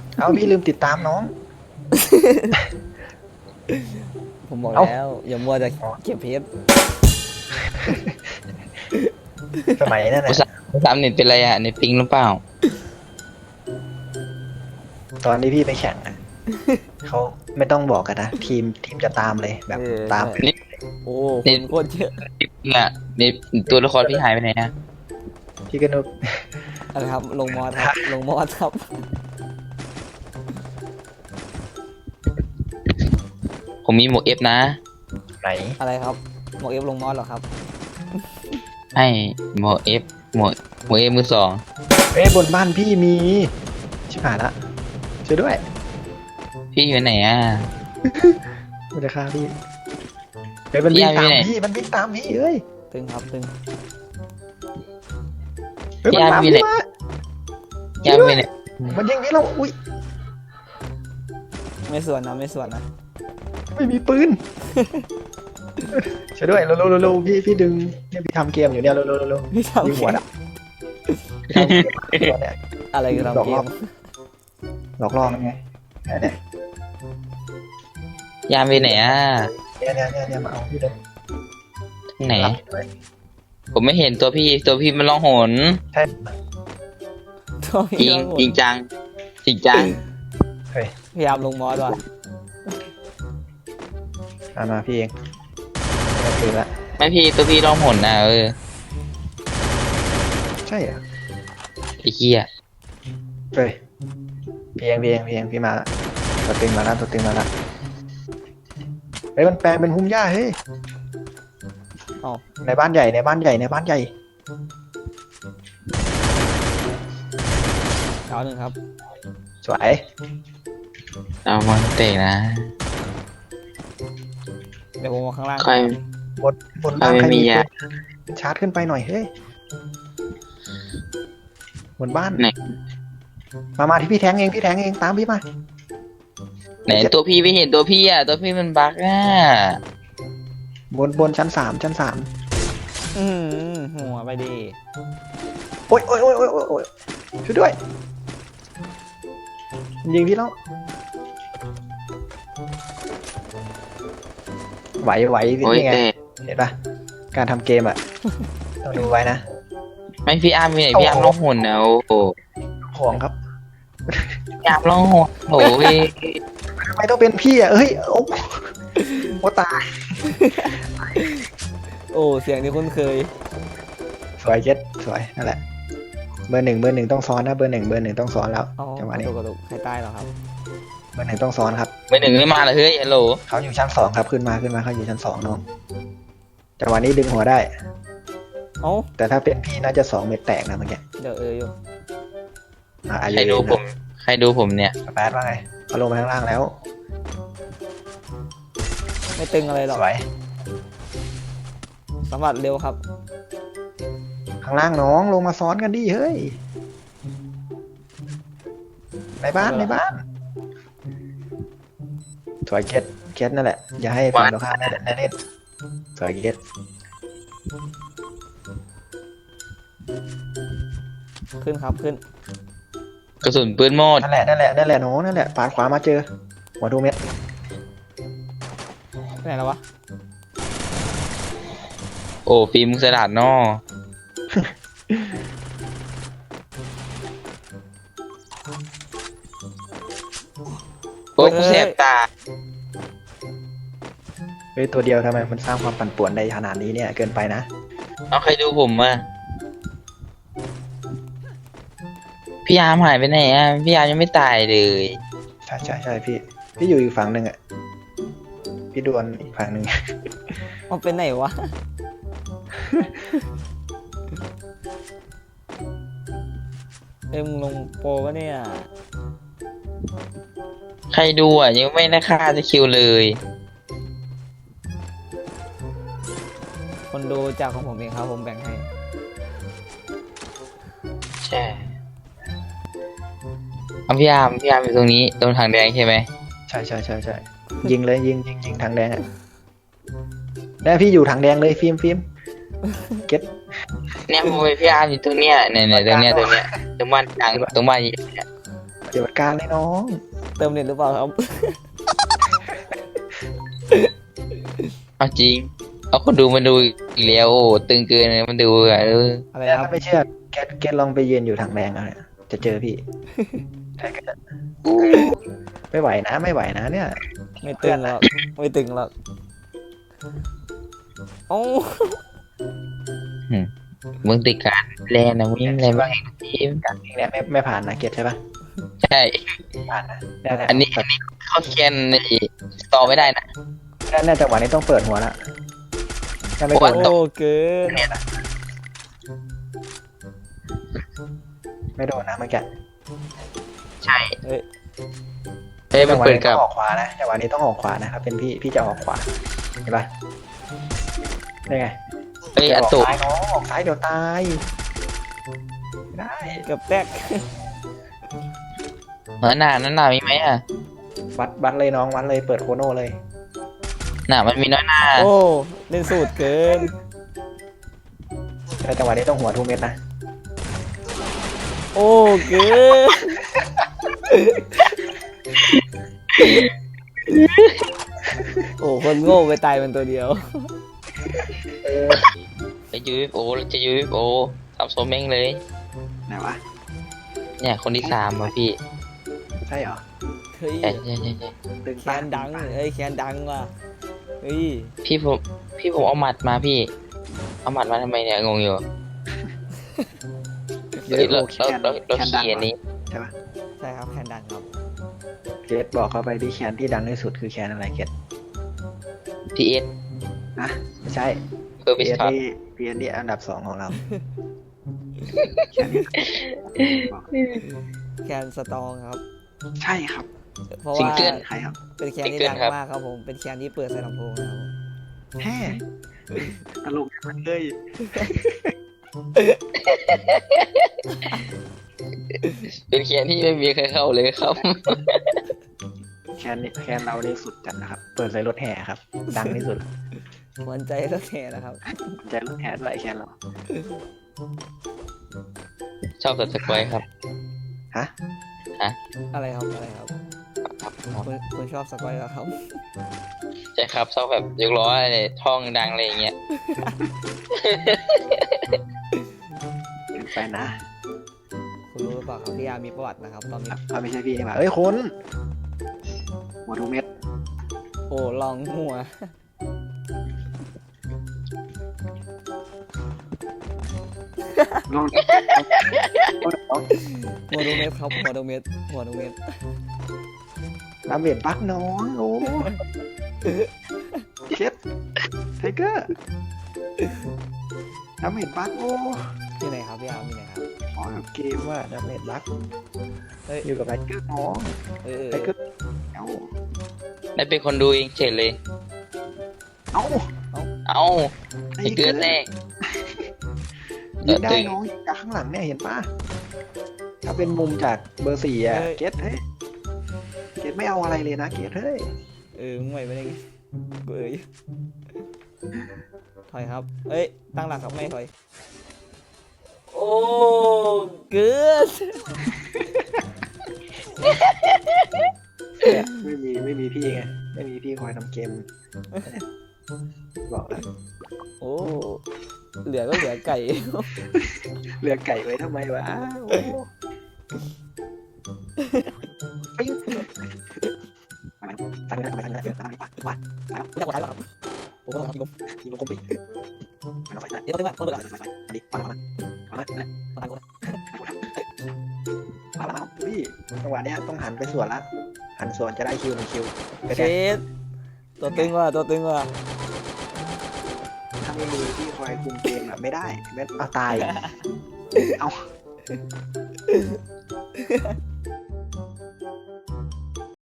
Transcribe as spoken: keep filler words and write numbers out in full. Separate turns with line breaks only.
เอาพี่ลืมติดตามน้อง
ผมบอก
เอ้า
แล้วอย่ามัวแต่เก็บเพชร
สมัยนั่น
ผู้
น่ะ
สามผู้สามเน็ตเป็นไรอ่ะเน็ตปิงหรือเปล่า
ตอนที่พี่ไปแข่งอะเขาไม่ต้องบอกกันนะทีมทีมจะตามเลยแบบ
เออ
ตาม
ใช่ โอ้คนโคตรเยอะ
เน็ตปิงอ่ะเน็ตตัวละครพี่หายไปไหนอ่ะ
พี่ก็นึก
อะไรครับลงมอสครับลงมอสครับ
ผมมีหมวกเอฟนะ
ไหน
อะไรครับหมอกเอฟลงมอสเหรอครับ
ให้หมวกเอฟหมวกหมวกเอฟมือสอง
เอ้ยบนบ้านพี่มีชิบหายละช่วยด้วย
พี่อยู่ไหนอ่ะ
มันจะฆ่าพี่เฮ้ยมันวิ่งตามพี่มันวิ่งตามพี่เอ้ย
ตึงครับตึง
เฮ้ยมันตามพี่มา
ยังไม่ไหน
มันยิงพี่เราอุ้ย
ไม่ส่วนนะไม่ส่วนนะ
ไม่มีปืน ช่วยด้วยเร็วๆเร็วๆพี่พี่ดึงเนี่ยพี่ทำเกมอยู่เนี่ยเร็วๆเร็ว
พี่
ๆ
ทำ
ยิง
เก
หัว
ม
อ่ะพี่ทำเกมตัวเนี่ย
อะไรคือ
หลอก
ทำเก
ล่อ
ม
หลอกล่อมันไงเนี่ย
ยามไปไหนอ่ะ
เนี่ยเนี่ยเนี่ยเนี่ยมาเอาพี่เลย
ที่ไหน
รับด้วย
ผมไม่เห็นตัวพี่ตัวพี่มันร้องโหน
ใช่
ตัว
จริ
พี่
ง
ต้องหมด
จริงจังจริงจัง
เฮ้ย
พยายามลงมอสว่ะ
มามาพี่เองไม่ปืนละ
ไม่พี่ตัวพี่ร้องโหนนะเออ
ใช่เหรอ
ไอ้เหี้ย
เฮ้ยพี่เองพี่เองพี่เองพี่มาละตัวตึงมาละตัวตึงมาละเฮ้ยมันแปลงเป็นหุ้มหญ้าเฮ้ย
อ๋อ
ในบ้านใหญ่ในบ้านใหญ่ในบ้านใหญ่
เอาหนึ่งครับ
สวย
เอามันเตะนะ
เดี๋ยวผมมาข้างล่าง
ค่อย
บนบนบ้าน
ไม่
ใคร
มี
มี
ยา
ปืนชาร์จขึ้นไปหน่อยเฮ้ยบนบ้าน
ไหน
มามาที่พี่แทงเองพี่แทงเองตามพี่มา
ไหนตัวพี่ไม่เห็นตัวพี่อ่ะตัวพี่มันบั๊กอ่ะ
บนบนชั้นสามชั้นสาม
อืมหัวไปดี
โอ๊ยโอ๊ยโอ๊ยโอ๊ยโอ๊ยโอ๊ยช่วยด้วยยิงพี่แล้วไหวไหวพี่
โอ้ย
นี่ไง
แต่
เห็นปะการทำเกมอ่ะ ต้องดูไว้นะ
ไม่พี่อาร์มมีไหนพี่อาร์มร้องโหนนะโอ้โห
ห่วงครับ
พี่อาร์มร้องโหนโอ้โหพี่
ทำไมต้องเป็นพี่อ่ะเอ้ยโอ้โอ้ตาย
โอ้เสียงที่คุ้นเคย
สวยเจ็ดสวยนั่นแหละเบอร์หนึ่งเบอร์หนึ่งต้องซ้อนนะเบอร์หนึ่งเบอร์หนึ่งต้องซ้อนแล้ว
อ๋อ
จังหวะ
กระ
นี้
ดูกกระดูกใครใต้เหรอครับ
เบอร์หนึ่งต้องซ้อนครับ
ไม่หนึ่งไม่มาเลยเฮ้ยฮัลโหล
เขาอยู่ชั้นสองครับขึ้นมาขึ้นมาเขาอยู่ชั้นสองน้องจังหวะนี้ดึงหัวได้
เอ้า
แต่ถ้าเป็นพี่น่าจะสองเม็ดแตกนะเมื่อกี้
เดี๋ยวเอออยู่
อ่ะอา
ใคร
ยุ
ดูผม ใครดูผมเนี่ย
สแปดว่าไงเขาลงมาข้างล่างแล้ว
ไม่ตึงอะไรหรอก
สวย
สมบัติเร็วครับ
ข้างล่างน้องลงมาซ้อนกันดิเฮ้ยในบ้านในบ้านสวยเก็ตเก็ตนั่นแหละอย่าให้ฝั่งตรงข้ามได้ได้เล่นสวยเก็ต
ขึ้นครับขึ้น
กระสุนปืนหมด
นั่นแหละนั่นแหละนั่นแหละน้องนั่นแหละปาดขวามาเจอหัวทูเม็ด
ไปไหนแล้ววะ
โอ้ฟิล์มมึงสลัดนอโอ้ยกูแสบตา
เฮ้ยตัวเดียวทำไมมันสร้างความปั่นป่วนได้ขนาดนี้เนี่ยเกินไปนะ
เอาใครดูผมอ่ะพี่อาร์มหายไปไหนอ่ะพี่อาร์มยังไม่ตายเลย
ใช่ใช่ใช่พี่พี่อยู่อีกฝั่งหนึ่งอ่ะพี่ดวลอีกฝั่งหนึ่ง
มันเป็นไหนวะ เอ็มงลงโปรวะเนี่ย
ใครดูอ่ะยังไม่ได้ค่าจะคิวเลย
คนดูจากของผมเองครับผมแบ่งให้
ใช่เอาพี่อาร์มพี่อาร์มอยู่ตรงนี้ตรงทางแดงใช่ไหม
ใช่ใช่ใช่ใช่ยิงเลยยิงยิงยิงทางแดงอ่ะได้พี่อยู่ทางแดงเลยฟิล์มฟิล์มเก็ต
เนี่ยผมเป็นพี่อาร์มอยู่ตรงเนี้ยเนี่ยเนี่ยตรงเนี้ยตรงเนี้ยตรงบ้านกลางตรงบ้านเนี่ย
ปฏิบัติการเลยน้อง
เติมเน็ตหรือเปล่าครับ
เอาจริงเอาคนดูมาดูอีกแล้วโอ้ตึงเกินเลยมันดูอ่ะเออ
อะไร
แต่
ครั
ถ้า
บ
ไม่เชื่อแกแกลองไปยืนอยู่ถังแดงเอาเนี่ยจะเจอพี่ใช่ก็จะไม่ไหวนะไม่ไหวนะเนี่ย
ไม่ตึงหรอกไม่ตึงหรอกโอ้
มึงติดการแลนนะมึงอะไรบ้างทีม
การเองเนี่ยไม่ไม่ผ่านนะเกียรติใช่ปะ
ใช่
ผ่านนะเนี่ยเนี่ย
อันนี้อันนี้เข้าแคนในต่อไม่ได้นะ
เนี่ยเนี่ยจังหวะนี้ต้องเปิดหัวละถ้าไม่
โอ้
เปิด
ย
โอ้เกิน
ไม่โดนนะเมื่อกี้
ใช่
เฮ้ย
เอ้ยมันเปิด
จั
กับ
งหวะนี้ต้องออกขวานะจังหวะนี้ต้องออกขวานะครับเป็นพี่พี่จะออกขวาเห็นปะได้ไง
เอ้ย
อย่า
อั
ออก
ตุ
ซ้ายน้องออกซ้ายเดี๋ยวตายไม่ได้
เกือบแตก
หนาหนาหนามีไหมอ่ะ
วัดวัดเลยน้องวัดเลยเปิดโคโน่เลย
หนามันมีน้อยหนา
โอ้เล่นสูตรเกิน
แต่จังหวะนี้ต้องหัวทุกเม็ดนะ
โอ้เกินโอ้คนโง่ไปตายเป็นตัวเดียว
เออ
จะยูเอฟโอจะยูเอฟโอทำโซเม้งเลย
ไหนวะ
เนี่ยคนที่สามอ่ะพี่
ใช่เหรอ
เฮ้ย
ใช่ใช่ใช่ใช่
ตึง
แคนดังเอ้ยแคนดังว่ะเฮ้ย
พี่ผมพี่ผมเอาหมัดมาพี่ เอาหมัดมาทำไมเนี่ยงงอยู่
เดี๋ยว
เฮ้ยเรา
แค
เรา
น
เราเรา
แคนดัง
ขี่อันนี้
ใช่ปะ
ใช่ครับแคนดังครับ
เกตบอกเขาไปที่แคนที่ดังที่สุดคือแคนอะไรเกต
พีเอส
นะไม่ใช่
เพื่อ
พี
วิส
เอส
คอต
ที่พีเอสที่อันดับสองของเราแคนนี้บอก
แคนสตองครับ
ใช่ครับ
เพราะ
ซิง
ว่า
เกิล
ใครครับ
เป็นแคนที่
ซิงเกิล
ดัง
ครับ
มากครับผมเป็นแคนที่เปิดใส่ลำโพงนะครับ
แฮ่ตลกมันเลย
เป็นเคียนที่ไม่มีใครเข้าเลยครับ
แคนนี่แคนเรานี่สุดจัดนะครับ เปิดใส่รถแห่ครับ ดังที่สุด
หวนใจรถแห่นะครับ
ใจรถแห่ด้วยแคนเรา
ชอบสัตว์สกอยครับ
ฮะ
อะไรครับอะไรครับ
ครับ
คุณคุณชอบสกอยเหรอครับ
ใช่ครับชอบแบบยกล้ออะไรท่องดังอะไรอย่างเงี้ย
เกินไปนะ
คุณรู้หรือเปล่าครับพี่ยามีประวัตินะครับตอนนี้
เอาไม่ใช่พี่นี่หว่าเอ้ยคุณหัวทุกเม็ด
โอ้ลองหัว
ลอง
หัวดูเม็ดครับหัวดูเม็ดหัวดูเม็ด
น้ำเบียดปักน้องโอ้เช็ดไทเกอร์น้ำเบียดปักโอ้
ที่ไหนครับพี่ยามีไหนครับ
ขอกับเกมว่าน้ำเบียดปัก
เฮ้ย
อยู่กับไทเกอร์น้อง
เออ
ไทเกอร์เอ้า
ได้เป็นคนดูเองเฉยเลย
เอ้า
เอ้าไอ้เกินแรก
ยิงได้น้องจากข้างหลังเนี่ยเห็นปะถ้าเป็นมุมจากเบอร์สี่อะเกตเฮ้ยเกตไม่เอาอะไรเลยนะเกตเฮ้ย
เออมึงไหวไปได้ไงกูเอ๋ยถอยครับเอ้ยตั้งหลักครับไม่ถอยโอ้เกิด
เนี่ยไม่มีไม่มีพี่ไงไม่มีพี่คอยทำเกมบอกแล้ว
โอ้เหลือก็เหลือไก่
เลือกไก่ไว้ทำไมวะโอ้ปิ้งตั้งตั้งตั้งตั้งตั้งตั้งวัด
ไม่ได้กดไลค์หรอกครับโอ้โหครับ
ทีมคอมปิ้งมันเอาไป
เดี๋ยวต้องมาต้องเปิด
อันนี้มามามามา
มา
มามาพี่จังหวะเนี้ยต้องหันไปสวนละหันสวนจะได้คิวหนึ่งคิวไป
เช
แทน
ดตัวตึงว่ะตัวตึงว่ะ
ถ้าไม่มีพี่คอยคุมเกมแบบไม่ได้เม็ดเอาตายเอา